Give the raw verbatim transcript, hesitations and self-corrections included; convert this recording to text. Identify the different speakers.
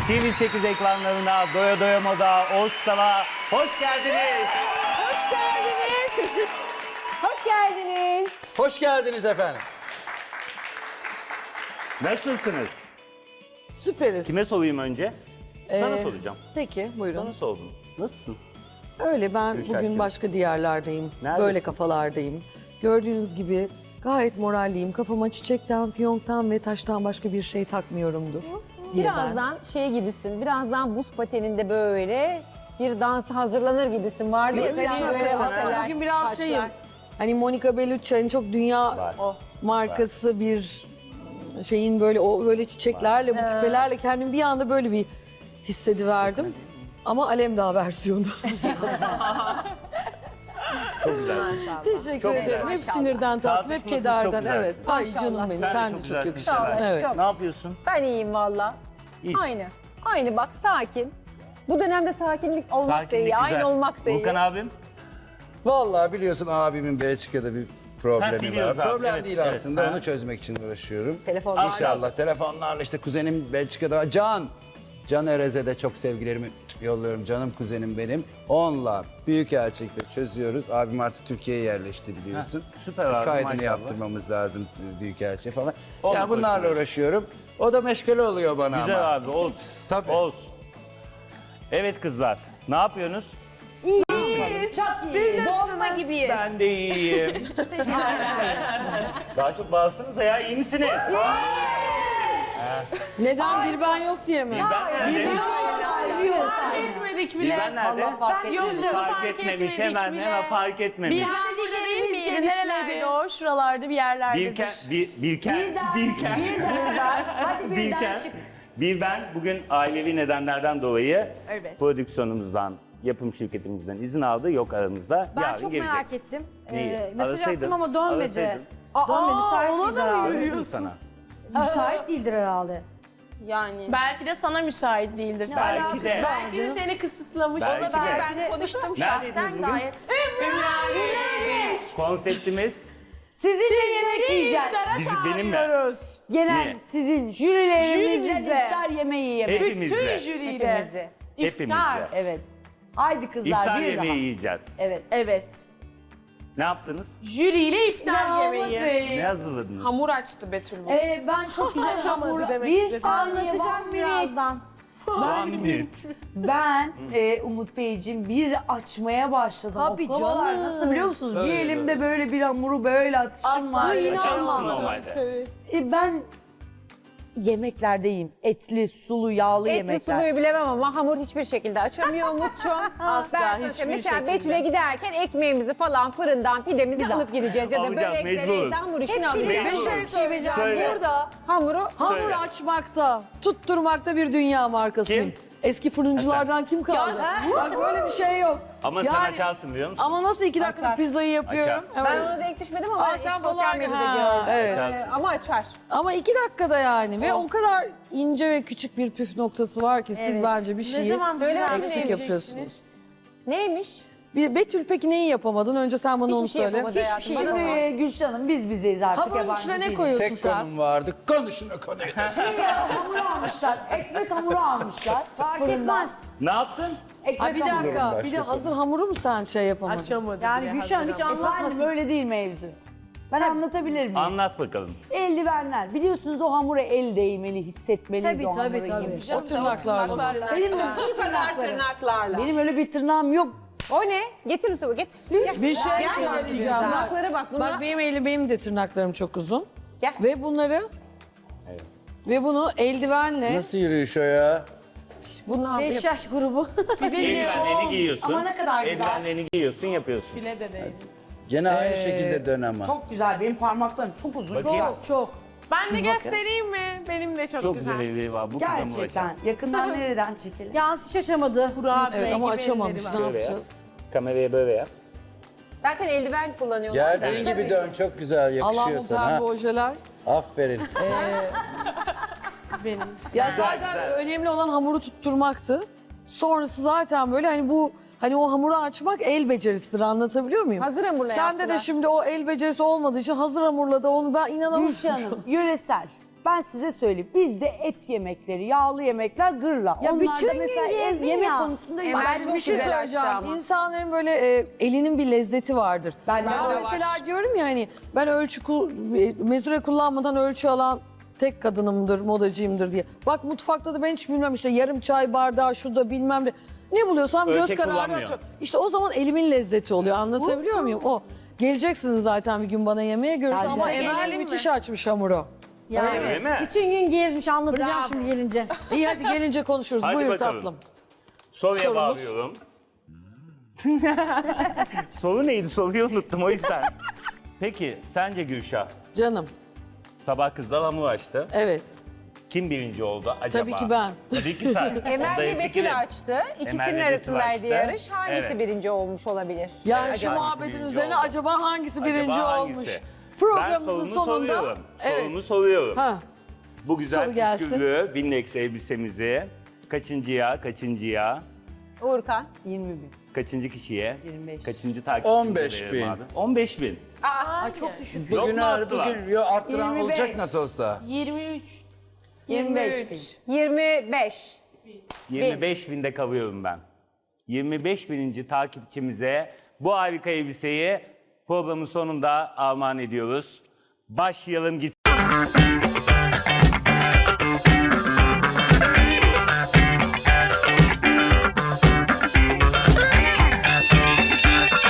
Speaker 1: T V sekiz ekranlarına Doya Doya Moda, Oğuzhan'a hoş geldiniz.
Speaker 2: Hoş geldiniz. Hoş geldiniz.
Speaker 3: Hoş geldiniz efendim.
Speaker 1: Nasılsınız?
Speaker 4: Süperiz.
Speaker 1: Kime sorayım önce? Sana
Speaker 4: Ee,
Speaker 1: soracağım.
Speaker 4: Peki buyurun.
Speaker 1: Sana sordum. Nasılsın?
Speaker 4: Öyle ben
Speaker 1: Gülşah'cığım.
Speaker 4: bugün başka diyarlardayım.
Speaker 1: Neredesin?
Speaker 4: Böyle kafalardayım. Gördüğünüz gibi gayet moralliyim. Kafama çiçekten, fiyonktan ve taştan başka bir şey takmıyorumdur. diye ben.
Speaker 2: Birazdan şey gibisin, birazdan buz pateninde böyle bir dansa hazırlanır gibisin. Vardı ya
Speaker 4: Bugün
Speaker 2: senin
Speaker 4: öyle
Speaker 2: böyle
Speaker 4: aslında
Speaker 2: haberler,
Speaker 4: bugün biraz
Speaker 2: saçlar.
Speaker 4: şeyim. Hani Monica Bellucci'nin çok dünya
Speaker 1: Var.
Speaker 4: markası bir şeyin böyle o böyle çiçeklerle, bu küpelerle kendimi bir anda böyle bir hissediverdim. Ama Alemdağ versiyonu.
Speaker 1: Çok güzelsin.
Speaker 4: Teşekkür
Speaker 1: Çok
Speaker 4: ederim.
Speaker 1: güzel.
Speaker 4: Hep sinirden tatlı, hep
Speaker 1: Tartışmasız çok
Speaker 4: kederden.
Speaker 1: güzelsin.
Speaker 4: Evet. Ay
Speaker 2: Maşallah.
Speaker 4: canım benim.
Speaker 1: Sen de
Speaker 4: Sen,
Speaker 1: çok
Speaker 4: de çok
Speaker 1: güzelsin
Speaker 4: yakışıklısın.
Speaker 2: Sağ ol
Speaker 4: Evet.
Speaker 2: aşkım.
Speaker 1: Ne yapıyorsun?
Speaker 2: Ben iyiyim valla.
Speaker 1: İyi.
Speaker 2: Aynı. Aynı bak sakin. Bu dönemde sakinlik olmak da
Speaker 1: Sakinlik
Speaker 2: iyi,
Speaker 1: güzel.
Speaker 2: aynı olmak da iyi.
Speaker 1: Volkan abim?
Speaker 3: Vallahi biliyorsun abimin Belçika'da bir problemi
Speaker 1: Ha,
Speaker 3: var.
Speaker 1: biliyoruz abi,
Speaker 3: Problem
Speaker 1: evet,
Speaker 3: değil
Speaker 1: evet.
Speaker 3: aslında.
Speaker 1: Ha.
Speaker 3: Onu çözmek için uğraşıyorum.
Speaker 2: Telefonlar.
Speaker 3: İnşallah telefonlarla işte kuzenim Belçika'da. Can. Can Erez'e de çok sevgilerimi yolluyorum. Canım kuzenim benim. Onunla büyük elçilikle çözüyoruz. Abim artık Türkiye'ye yerleşti biliyorsun.
Speaker 1: Ha, süper
Speaker 3: İşte
Speaker 1: abi,
Speaker 3: kaydını
Speaker 1: maşallah.
Speaker 3: yaptırmamız lazım büyük elçi falan.
Speaker 1: Onunla
Speaker 3: Ya bunlarla
Speaker 1: koşuyoruz.
Speaker 3: uğraşıyorum. O da meşgale oluyor bana ama.
Speaker 1: Güzel abi, Oğuz.
Speaker 3: Tabii.
Speaker 1: Oğuz. Evet kızlar, ne yapıyorsunuz?
Speaker 5: Çok iyi. Dolma gibiyiz.
Speaker 1: Ben de iyiyim. Daha çok bağırsanıza ya, iyi misiniz?
Speaker 4: Neden bir ben yok diye mi?
Speaker 1: Ben nerede?
Speaker 5: Etmedik
Speaker 1: Bir ben nerede?
Speaker 5: fark etmedim.
Speaker 1: Fark etmemiş, hemen hemen fark etmemiş.
Speaker 5: Bir ben burada değil miydi? Nerelerdeydi o? Şuralarda bir yerlerdedir.
Speaker 1: Birken, bir, birken, birken,
Speaker 5: Hadi
Speaker 1: birken, bir ben bugün ailevi nedenlerden dolayı
Speaker 5: Evet.
Speaker 1: prodüksiyonumuzdan, yapım şirketimizden izin aldı, yok aramızda.
Speaker 6: Ben
Speaker 1: Yarın
Speaker 6: çok
Speaker 1: gelecek.
Speaker 6: merak ettim.
Speaker 1: Neyi?
Speaker 6: Ee, mesaj
Speaker 1: Arasaydın,
Speaker 6: attım ama dönmedi.
Speaker 1: arasaydın.
Speaker 6: Dönmedi, müsait
Speaker 5: ona
Speaker 6: değildir
Speaker 5: da mı
Speaker 6: herhalde.
Speaker 1: Dedim sana.
Speaker 6: Müsait değildir herhalde.
Speaker 5: Yani. Belki de sana müsait değildir.
Speaker 1: Belki de.
Speaker 5: Belki de seni kısıtlamış.
Speaker 1: Belki de.
Speaker 5: Ben konuştum
Speaker 1: Neredeydiniz
Speaker 5: şahsen
Speaker 1: bugün?
Speaker 5: gayet.
Speaker 1: Konseptimiz
Speaker 6: Sizinle yemek yiyeceğiz.
Speaker 1: biz, benimle,
Speaker 6: Genel
Speaker 1: Niye?
Speaker 6: sizin jürilerimizle
Speaker 5: Jürimizle.
Speaker 6: iftar yemeği yemek.
Speaker 1: hepimizle,
Speaker 5: Jüriyle.
Speaker 2: Hepimizi.
Speaker 1: hepimizle.
Speaker 6: Evet. Haydi kızlar
Speaker 1: İftar
Speaker 6: bir
Speaker 1: yemeği
Speaker 6: daha.
Speaker 1: yiyeceğiz.
Speaker 6: Evet.
Speaker 5: Evet.
Speaker 1: Ne yaptınız?
Speaker 5: Jüriyle iftar
Speaker 6: Ya
Speaker 5: yemeği.
Speaker 6: Umut Bey.
Speaker 1: Ne hazırladınız?
Speaker 5: Hamur açtı Betül bu.
Speaker 6: Ee, ben çok güzel hamur
Speaker 5: demek
Speaker 6: bir
Speaker 5: istedim.
Speaker 6: anlatacağım birazdan.
Speaker 1: One minute.
Speaker 6: Ben e, Umut Beyciğim bir açmaya başladım.
Speaker 5: Tabii
Speaker 6: Oklavalar
Speaker 5: canım.
Speaker 6: nasıl biliyor musunuz?
Speaker 1: Böyle,
Speaker 6: bir elimde böyle bir hamuru böyle atışım var.
Speaker 1: Açar mısın
Speaker 6: İnanmam.
Speaker 1: normalde?
Speaker 6: E, ben yemeklerdeyim. Etli, sulu, yağlı
Speaker 2: Etli
Speaker 6: yemekler.
Speaker 2: suluyu bilemem ama hamur hiçbir şekilde açamıyor Umut'cum.
Speaker 5: Asla,
Speaker 2: Ben sana
Speaker 5: hiçbir
Speaker 2: söyleyeyim, mesela
Speaker 5: şekilde.
Speaker 2: Betül'e giderken ekmeğimizi falan fırından pidemizi alıp gideceğiz. Ya da
Speaker 1: Alacağız,
Speaker 2: börekleri,
Speaker 1: mecburuz.
Speaker 2: hamur işini
Speaker 4: Bir
Speaker 2: alacağız.
Speaker 4: şey söyleyeceğim.
Speaker 1: Söyle.
Speaker 4: Burada
Speaker 2: Hamuru
Speaker 4: hamur
Speaker 1: Söyle.
Speaker 4: açmakta, tutturmakta bir dünya markasıyım.
Speaker 1: Kim?
Speaker 4: Eski fırıncılardan kim kaldı? Bak böyle bir şey yok.
Speaker 1: Ama sen
Speaker 4: Yani-
Speaker 1: açarsın biliyor musun?
Speaker 4: Ama nasıl iki dakikada
Speaker 2: Açar.
Speaker 4: pizzayı yapıyorum?
Speaker 1: Açar.
Speaker 2: ben
Speaker 4: Evet.
Speaker 2: ona denk düşmedim ama
Speaker 4: Aa,
Speaker 2: ben
Speaker 4: sen
Speaker 2: sosyal
Speaker 4: falan-
Speaker 2: medyada
Speaker 4: Ha,
Speaker 2: gördüm.
Speaker 4: evet.
Speaker 2: Ee, ama açar.
Speaker 4: Ama iki dakikada yani ve o kadar ince ve küçük bir püf noktası var ki siz
Speaker 6: Evet.
Speaker 4: bence bir şeyi
Speaker 2: Söyle abi
Speaker 4: eksik
Speaker 2: neymiş?
Speaker 4: yapıyorsunuz.
Speaker 2: Neymiş?
Speaker 4: Bir Betül peki neyi yapamadın? Önce sen bana
Speaker 2: Hiçbir
Speaker 4: onu
Speaker 2: şey
Speaker 4: söyle.
Speaker 2: yapamadı hayatım.
Speaker 6: Hiçbir
Speaker 2: Bana
Speaker 6: şey.
Speaker 2: bak.
Speaker 6: Şimdi Gülşah'ım biz bizeyiz artık
Speaker 4: Hamurun
Speaker 6: yabancı
Speaker 4: içine ne
Speaker 6: değiliz.
Speaker 4: koyuyorsun
Speaker 3: Tek
Speaker 4: sen?
Speaker 3: konum vardı. Konuşun o konuyu.
Speaker 6: Şimdi hamur almışlar. Ekmek hamuru almışlar. Fark etmez.
Speaker 1: Ne yaptın?
Speaker 6: Ekmek
Speaker 4: Ay bir
Speaker 6: hamuru.
Speaker 4: dakika,
Speaker 3: başka
Speaker 4: bir de
Speaker 3: konu.
Speaker 4: hazır hamuru mu sen şey yapamadın?
Speaker 5: Açamadı
Speaker 6: Yani
Speaker 5: bile,
Speaker 6: Gülşah'ım hiç
Speaker 5: hazır ama.
Speaker 6: anlatmasın. Öyle değil mevzu. Ben anlatabilir miyim?
Speaker 1: Anlat bakalım.
Speaker 6: Eldivenler. Biliyorsunuz o hamura el değmeli, hissetmeliyiz
Speaker 5: Tabii,
Speaker 6: o
Speaker 5: tabii,
Speaker 6: hamuru
Speaker 5: tabii.
Speaker 6: yemiş.
Speaker 4: O tırnaklarla.
Speaker 6: Benim de
Speaker 2: Şu
Speaker 6: şu
Speaker 2: kadar
Speaker 6: tırnaklarım.
Speaker 2: tırnaklarla.
Speaker 6: Benim öyle bir tırnağım yok.
Speaker 2: O ne? Getir Mustafa getir.
Speaker 4: Bir şey
Speaker 2: Gel.
Speaker 4: söyleyeceğim. Bak,
Speaker 2: Tırnaklara bak. Bunlar...
Speaker 4: bak benim elim, benim de tırnaklarım çok uzun.
Speaker 2: Gel.
Speaker 4: Ve bunları ve bunu eldivenle
Speaker 3: Nasıl yürüyüş o ya?
Speaker 4: bunu
Speaker 6: Beş yaş grubu.
Speaker 1: Eldivenlerini giyiyorsun.
Speaker 6: Ama ne kadar güzel.
Speaker 1: Eldivenlerini giyiyorsun, yapıyorsun.
Speaker 5: Bile de değil.
Speaker 3: Gene
Speaker 4: Ee,
Speaker 3: aynı şekilde dön ama.
Speaker 6: Çok güzel. Benim parmaklarım çok uzun.
Speaker 1: Bakayım.
Speaker 6: Çok çok.
Speaker 5: Ben de göstereyim mi? Benim de çok,
Speaker 1: Çok
Speaker 5: güzel.
Speaker 1: güzel elleri var. Bu kız hamur açar.
Speaker 6: Gerçekten. Yakından nereden çekelim? Yalnız hiç açamadı.
Speaker 5: Kurabiye
Speaker 4: Evet ama
Speaker 5: gibi
Speaker 4: açamamış.
Speaker 5: elleri
Speaker 4: Ne
Speaker 5: var.
Speaker 1: Şöyle yap.
Speaker 4: yapacağız?
Speaker 1: Kameraya böyle yap.
Speaker 2: Zaten eldiven kullanıyorlar da.
Speaker 3: Geldiğin gibi dön. Çok güzel yakışıyor
Speaker 4: Allah'ım
Speaker 3: sana.
Speaker 4: pembe
Speaker 3: Ha?
Speaker 4: ojeler.
Speaker 3: Aferin.
Speaker 5: Benim.
Speaker 4: Ya zaten önemli olan hamuru tutturmaktı. Sonrası zaten böyle hani bu hani o hamuru açmak el becerisidir, anlatabiliyor muyum?
Speaker 2: Hazır hamurla
Speaker 4: Sende
Speaker 2: yaptılar.
Speaker 4: de şimdi o el becerisi olmadığı için hazır hamurla da onu ben inanamadım.
Speaker 6: Gülşah Hanım, yöresel. Ben size söyleyeyim. Bizde et yemekleri, yağlı yemekler gırla.
Speaker 4: Ya
Speaker 6: Onlar
Speaker 4: bütün
Speaker 6: da
Speaker 4: gün
Speaker 6: mesela ev
Speaker 4: gezdin
Speaker 6: yemek
Speaker 4: ya.
Speaker 6: konusunda
Speaker 2: Emel
Speaker 6: ben
Speaker 4: Şimdi
Speaker 2: çok
Speaker 4: bir şey
Speaker 2: güzel
Speaker 4: söyleyeceğim.
Speaker 2: açtı ama.
Speaker 4: İnsanların böyle e, elinin bir lezzeti vardır.
Speaker 6: Ben
Speaker 4: Ben,
Speaker 6: de var.
Speaker 4: mesela diyorum ya hani ben ölçü kul- e, mezure kullanmadan ölçü alan tek kadınımdır, modacıyımdır diye. Bak mutfakta da ben hiç bilmem işte yarım çay bardağı şurada bilmem ne. Ne buluyorsam göz
Speaker 1: Ölçek
Speaker 4: kararı
Speaker 1: kullanmıyor.
Speaker 4: atıyorum. İşte o zaman elimin lezzeti oluyor. Anlatabiliyor muyum? O geleceksiniz zaten bir gün bana yemeğe görürsün ama
Speaker 6: Geleceğim.
Speaker 4: Emel müthiş açmış hamuru.
Speaker 1: Öyle mi?
Speaker 2: Bütün gün gezmiş anlatacağım şimdi gelince.
Speaker 4: İyi hadi gelince konuşuruz.
Speaker 1: Hadi
Speaker 4: Buyur
Speaker 1: bakalım.
Speaker 4: tatlım.
Speaker 1: Soruya
Speaker 4: Sorumuz.
Speaker 1: bağlıyorum. Soru neydi? Soruyu unuttum o yüzden. Peki sence Gülşah
Speaker 4: Canım.
Speaker 1: sabah kızlar hamur açtı.
Speaker 4: Evet.
Speaker 1: Kim birinci oldu acaba?
Speaker 4: Tabii ki ben.
Speaker 1: Tabii ki sen.
Speaker 2: Emel
Speaker 1: Ondayım
Speaker 2: ve
Speaker 1: fikirim.
Speaker 2: Betül açtı. İkisinin
Speaker 1: Emel ve Betül
Speaker 2: arasındaydı
Speaker 1: açtı.
Speaker 2: yarış. Hangisi
Speaker 1: Evet.
Speaker 2: birinci olmuş olabilir?
Speaker 4: Yani
Speaker 1: Evet,
Speaker 4: şu
Speaker 1: hangisi
Speaker 4: muhabbetin
Speaker 1: birinci
Speaker 4: üzerine
Speaker 1: oldu?
Speaker 4: acaba hangisi birinci
Speaker 1: Acaba
Speaker 4: olmuş?
Speaker 1: hangisi?
Speaker 4: Programımızın
Speaker 1: ben sorumu
Speaker 4: sonunda
Speaker 1: soruyorum.
Speaker 4: evet.
Speaker 1: Sorumu soruyorum.
Speaker 4: Ha,
Speaker 1: Bu güzel
Speaker 4: Soru gelsin.
Speaker 1: püsküllü Winnex elbisemizi kaçıncıya, kaçıncıya,
Speaker 2: Uğurkan.
Speaker 6: yirmi bin.
Speaker 1: kaçıncı kişiye,
Speaker 6: yirmi beş.
Speaker 1: kaçıncı takipçimize
Speaker 3: on beş
Speaker 1: verelim
Speaker 3: bin.
Speaker 1: abi? on beş bin.
Speaker 6: Ay çok düşük.
Speaker 1: Yok
Speaker 3: Bugün,
Speaker 1: mu arttılar?
Speaker 3: bugün yo, arttıran
Speaker 6: yirmi beş.
Speaker 3: olacak nasıl olsa.
Speaker 5: yirmi üç.
Speaker 6: yirmi beş bin.
Speaker 2: yirmi beş.
Speaker 1: yirmi beş binde kalıyorum ben. yirmi beş bininci takipçimize bu harika elbiseyi programın sonunda armağan ediyoruz. Başlayalım gitsin.